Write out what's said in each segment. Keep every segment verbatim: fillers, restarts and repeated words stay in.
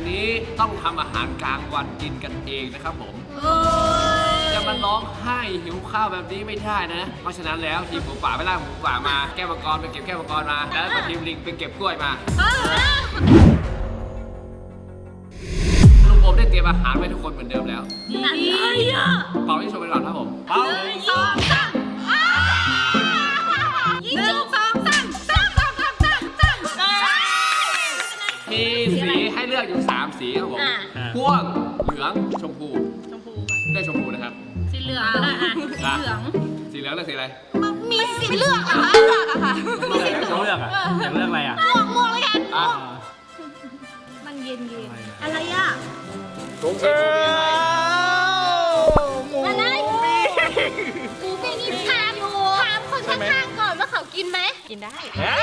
นี้ต้องทำอาหารกลางวันกินกันเองนะครับผมจะมาร้องไห้หิวข้าวแบบนี้ไม่ได้นะเพราะฉะนั้นแล้วทีมหมูป่าไปล่าหมูป่ามาแก้วมังกรไปเก็บแก้วมังกรมาแล้วก็ทีมลิงไปเก็บกล้วยมาลุงผมได้เตรียมอาหารไว้ทุกคนเหมือนเดิมแล้วอะไรอ่ะเป่าที่ชมไปก่อนครับผมเป่าสองสามยิงจุกสองสามสามสามสามสามสามมีสีให้เลือกอยู่สามสีครับผมม่วงเหลืองชมพูชมพูได้ชมพูนะครับสีเหลืองอ่ะสีเหลืองสีเหลืองเลือกสีอะไรมีสีเลือกอะค่ะเลือกอะค่ะมีสีเลือกอะอยากเลือกอะไรอะม่วงม่วงเลยกันม่วงมันเย็นเย็นอะไรอะชมพูอะไรหมูปิ้งนี่ถามถามคนข้างๆก่อนว่าเขากินไหมกินได้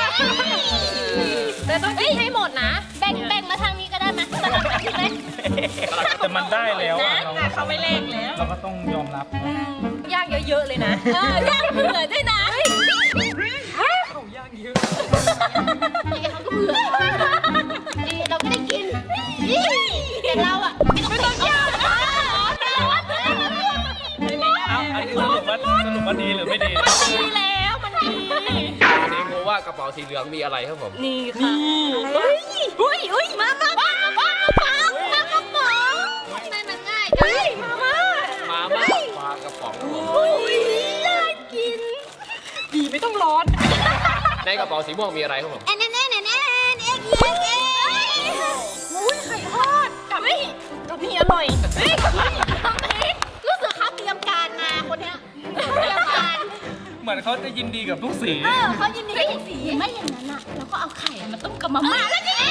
แต่ต้องกินให้หมดนะแบ่งแบ่งมาทางนี้ก็ได้ไหมสลับกันไหมแต่มันได้แล้วแต่เขาไม่แลกแล้วเราก็ต้องยอมรับย่างเยอะๆเลยนะเออย่างเผื่อด้วยนะเขาย่างเยอะเขาก็เผื่อดีเราก็ได้กินเห็นเราอ่ะไม่ต้องย่างเอาอันนี้สรุปว่าสรุปว่าดีหรือไม่ดีดีแล้วมันดีสีโมว่ากระเป๋าสีเหลืองมีอะไรครับผมนี่ค่ะอุ้ยอุ้ยมามามามามาปามากระป๋องไม่มันง่ายจังมามามาม่าปลากระป๋องอุ้ยน่ากินดีไม่ต้องร้อนในกระเป๋าสีม่วงมีอะไรครับผมแอนแอนแอนแอนแอนเอ็กเอ็กเอ็กอุ้ยไข่ทอดกับนี่กับนี่อร่อยเฮ้ยทำเองรู้สึกเขาเตรียมการมาคนเนี้ยเตรียมการเหมือนเขาจะยินดีกับทุกสีเออเขายินดีกับทุกสีไม่อย่างนั้นอ่ะเราก็เอาไข่มาต้มกับมาม่าแล้วนี่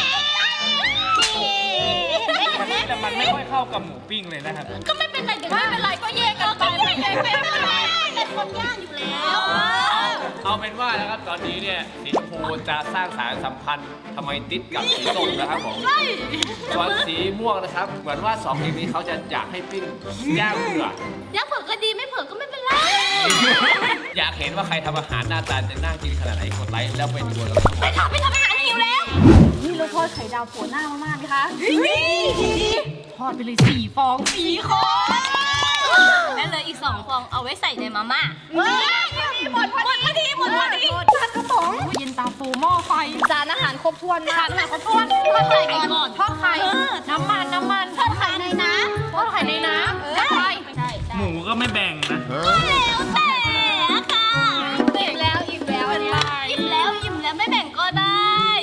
แต่มันไม่ค่อยเข้ากับหมูปิ้งเลยนะครับก็ไม่เป็นไรเดี๋ยวไม่เป็นไรก็แยกกันไปไม่เป็นไรเป็นคนย่างอยู่แล้วเอาเป็นว่านะครับตอนนี้เนี่ยสีชมพูจะสร้างสายสัมพันธ์ทำไมติดกับสีส้มนะครับผมส่วนสีม่วงนะครับเหมือนว่าสองทีมนี้เขาจะอยากให้ปิ้งย่างเผือกย่างเผือกก็ดีไม่เผือกก็ไม่เป็นไรอยากเห็นว่าใครทำอาหารหน้าตาจะน่ากินขนาดไหนกดไลค์แล้วไปดูกันไปทำไปทำอาหารหิวแล้วนี่เราทอดไข่ดาวโผล่หน้ามากๆไหมคะทอดไปเลยสี่ฟองสี่คนแล้วเลยอีกสองฟองเอาไว้ใส่ในมาม่าหมดพอดีหมดพอดีจานกระป๋องเย็นตาโฟหม้อไฟจานอาหารครบถ้วนมากจานอาหารครบถ้วนทอดไข่ก่อนทอดไข่น้ำมันน้ำมันทอดไข่ในน้ำทอดไข่ในน้ำใช่ใช่หมูก็ไม่แบ่งนะแล้วแต่ค่ะอิ่มแล้วอิ่มแล้วอิ่มแล้วอิ่มแล้วไม่แบ่งก็ได้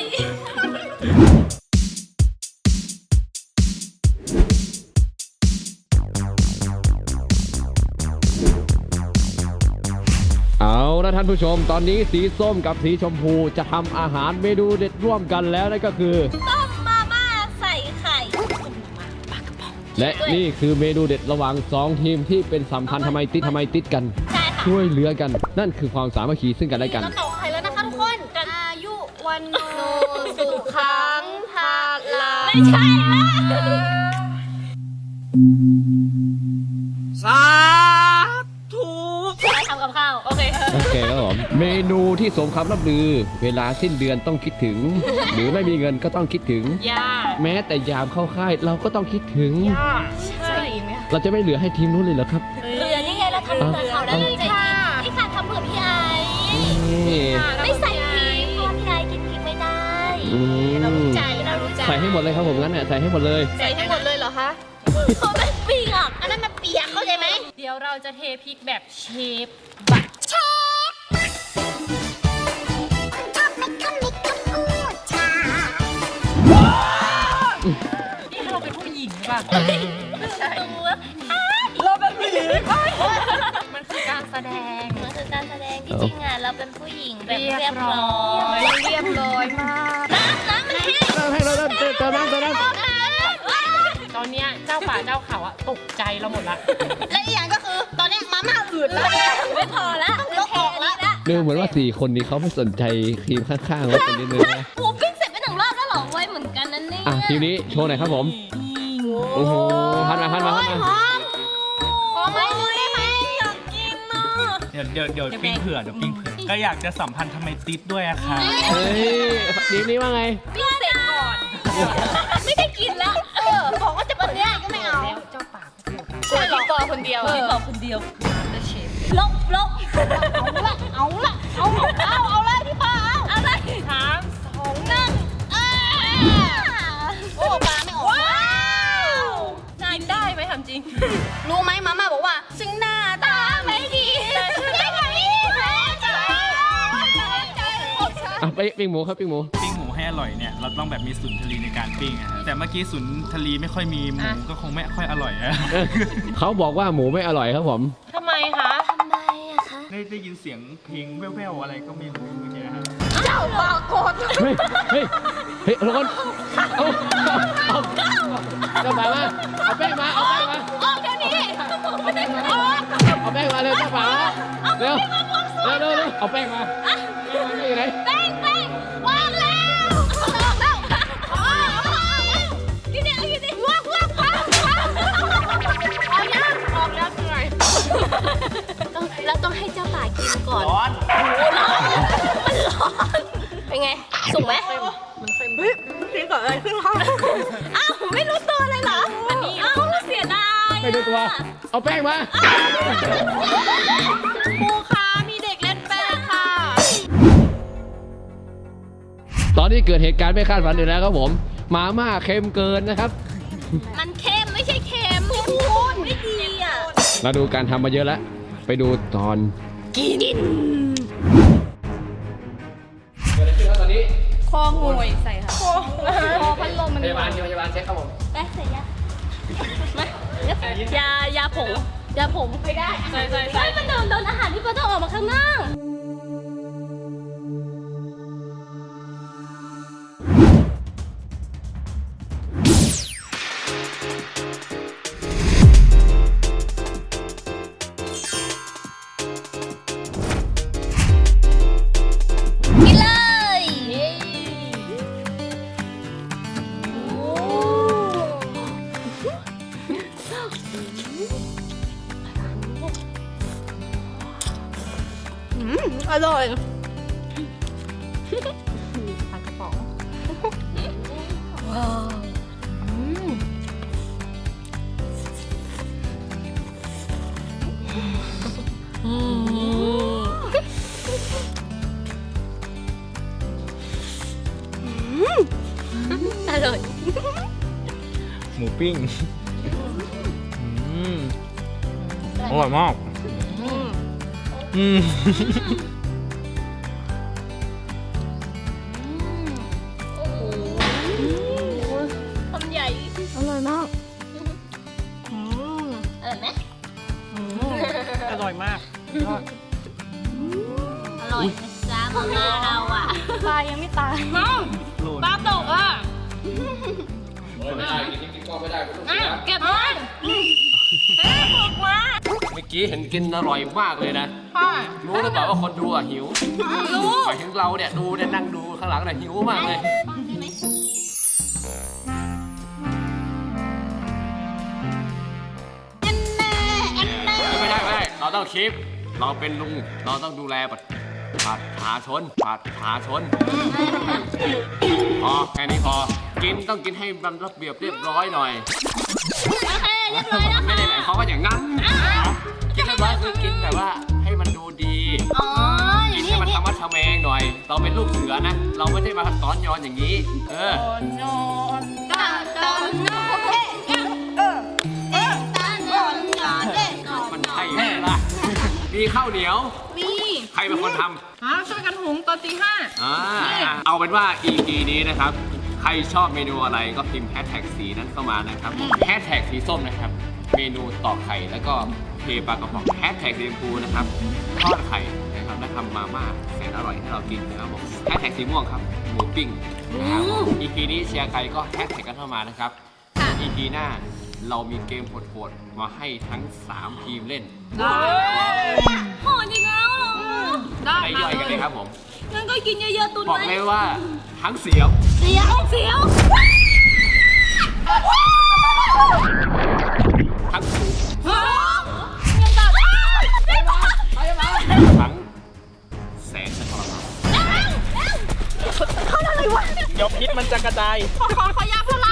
เอาละท่านผู้ชมตอนนี้สีส้มกับสีชมพูจะทำอาหารเมนูเด็ดร่วมกันแล้วนั่นก็คือต้มมาม่าใส่ไข่และนี่คือเมนูเด็ดระหว่างสองทีมที่เป็นสัมพันธ์ทำไมติดทำไมติดกันช่วยเหลือกันนั่นคือความสามัคคีซึ่งกันและกันเราต่อไข่แล้วนะคะทุกคนอายุวันโนสุขังภาลังไม่ใช่ละสาธุไปทำกับข้าวโอเคโอเคครับผมเมนูที่สมคำล่ำลือเวลาสิ้นเดือนต้องคิดถึงหรือไม่มีเงินก็ต้องคิดถึงแม้แต่ยามเข้าค่ายเราก็ต้องคิดถึงใช่เราจะไม่เหลือให้ทีมนู้นเลยเหรอครับเหลือนี่ไงเราทำเผื่อเขาได้เลยค่ะนี่ค่ะทำเผื่อพี่ไอไม่ใส่พริกเพราะพี่ไอกินพริกไม่ได้เรารู้ใจเรารู้ใจใส่ให้หมดเลยครับผมงั้นเนี่ยใส่ให้หมดเลยใส่ให้หมดเลยเหรอคะเขาไม่เปียกอันนั้นมันเปียกเข้าใจไหมเดี๋ยวเราจะเทพริกแบบเชฟบัตเชฟนี่เราเป็นผู้หญิงป่ะไม่ใช่เราเป็นผู้หญิงมันคือการแสดงมันคือการแสดงที่จริงอ่ะเราเป็นผู้หญิงแบบเรียบร้อยเรียบร้อยมากน้ำน้ำมันแห้งน้ำแห้งแล้วน้ำเติมน้ำเติมน้ำตอนนี้เจ้าป่าเจ้าเขาอะตกใจเราหมดละและอีกอย่างก็คือตอนนี้มาม่าอืดแล้วไม่พอละลบออกแล้วดูเหมือนว่าสี่คนนี้เขาไม่สนใจทีมข้างๆว่าคนนี้เลยนะหมูปิ้งเสร็จไปหนึ่งรอบแล้วหรอไว้เหมือนกันนั่นนี่อ่ะทีนี้โชว์หน่อยครับผมโอ้โหพันมาพันมาพันมาขอไม่ได้ไหมอยากกินอ่ะเดี๋ยวเดี๋ยวเดี๋ยวปิ้งเผื่อเดี๋ยวปิ้งเผื่อก็อยากจะสัมพันธ์ทำไมติดด้วยอะค่ะเฮ้ยทีมนี้ว่าไงปิ้งเสร็จก่อนไม่ได้กินแล้วเออบอกว่าจะวันเนี้ยก็ไม่เอาเจ้าป่าก็ถูกช่วยพี่ปอคนเดียวพี่ปอคนเดียวจะเชฟลบลบเอาละเอาละเอาเอาเอาเลยพี่ปอเอาเอาเลยสามสองนั่งโอ้ปลาไม่ออกว้าวกินได้ไหมถามจริงรู้ไหมมาม่าบอกว่าซึ่งหน้าตาไม่ดีไม่ไหวแพ้ใจใจหมดฉันอ่ะไปปิ้งหมูครับปิ้งหมูปิ้งหมูให้อร่อยเนี่ยเราต้องแบบมีสุนทรีในการปิ้งอะฮะแต่เมื่อกี้สุนทรีไม่ค่อยมีหมูก็คงไม่ค่อยอร่อยนะเขาบอกว่าหมูไม่อร่อยครับผมทำไมคะทำไมอะคะได้ได้ยินเสียงเพลงแว่วๆอะไรก็ไม่รู้เมื่อกี้ฮะเจ้าปากโกดเฮ้ย เฮ้ย เฮ้ยทุกคนเอาเอาเจ้าบ่าวมา เอาแป้งมา เอาแป้งมาออกเดี๋ยวนี้ไม่ได้ออกเอาแป้งมาเร็วเจ้าบ่าวมาเร็วเร็วเร็วเร็วเอาแป้งมาแป้งมาอยู่ไหนแป้งแป้งวางแล้วออกแล้วออกแล้วกินเนี่ยกินเนี่ยว้าวว้าวว้าวออกยังออกแล้วไงต้องแล้วต้องให้เจ้าป่ากินก่อนร้อนโอ้ร้อนมันร้อนเป็นไงสุกไหมมันเค็มเฮ้ยกินกับอะไรขึ้นคะอ้าวไม่รู้ตัวเลยเหรออ้าวเสียดายไม่ดูตัว เอาแป้งมาครูคะมีเด็กเล่นแป้งค่ะตอนนี้เกิดเหตุการณ์ไม่คาดฝันอีกแล้วครับผม มาม่าเค็มเกินนะครับมันเค็มไม่ใช่เค็มพี่พูดไม่ดีอ่ะเราดูการทำมาเยอะแล้ว ไปดูตอนกินเกิดอะไรขึ้นครับตอนนี้คอหวยใส่ค่ะคอคอพัดลมมันพยาบาลพยาบาลเช็คครับผมได้ใส่ยาไหมยายาผงยาผงไม่ได้ใส่ใส่ใส่ใช่มันโดนโดนอาหารที่ปอต้องออกมาข้างนอกกินเลยโอ้อร่อยทางกระป๋องว้าวอืมอร่อยหมูปิ้งอืมอร่อยมากอืมโอ้โหทำใหญ่อร่อยมากอร่อยไหมอร่อยมากยอดอร่อยนะจ๊ะมาม่าเราอ่ะปลายังไม่ตายโลนปลาตกอ่ะไม่ได้กินกินก็ไม่ได้ไม่ต้องอ่ะเสียเก็บมันเฮ้ยตกมาเมื่อกี้เห็นกินอร่อยมากเลยนะค่ะรู้หรือเปล่าว่าคนดูอ่ะหิวรู้หมายถึงเราเนี่ยดูเนี่ยนั่งดูข้างหลังเนี่ยหิวมากเลย ไม่ได้ไม่ได้ เราต้องชิป เราเป็นลุง เราต้องดูแลประชาชนประชาชน พอแค่นี้พอ กินต้องกินให้มันระเบียบเรียบร้อยหน่อยโอเคเรียบร้อยแล้วไม่ค่ะได้หมายความว่าอย่างนั้น กินเรียบร้อยคือกินแบบว่าให้มันดูดีอ๋ออกิย่าน งนี้ให้อมันย่างนี้ทำมัดทำแมงหน่อย เราเป็นลูกเสือนะ เราไม่ได้มาซ้อนย้อนอย่างนี้ เออนอนตาตอนนอนเอ๊ะเอ๊ะเอ๊ะตาตอนนอนเอ๊ะนอนมันใช่ไหมล่ะ มีข้าวเหนียวมีใครเป็นคนทฮะช่วยกันหุงตอนตีห้าำอ่าเอาเป็นว่า อี พี นี้นะครับ ใครชอบเมนูอะไรก็พิมพ์แฮชแท็กสีนั้นเข้ามานะครับแฮชแท็กสีส้มนะครับ เมนูตอกไข่แล้วก็เทปลากระป๋องแฮชแท็กสีชมพูนะครับทอดไข่นะครับและทำมาม่าแสนอร่อยให้เรากินนะครับผมแฮชแท็กสีม่วงครับหมูปิ้งนะครับ อี พี นี้เชียร์ใครก็แฮชแท็กกันเข้ามานะครับ อี พี หน้าเรามีเกมโหดๆมาให้ทั้งสามทีมเล่นโหดอีกแล้วเหรอได้ให้ย่อยกันเลยครับผมงั้นก็กินเยอะๆตุนบอกไว้เลยว่าทั้งเสียวเสียวเสียวทั้งสูงยังแบบได้ปะทั้งแสนจะทรมานเขาอะไรวะเดี๋ยวพิษมันจะกระจายขอขอขอยาพารา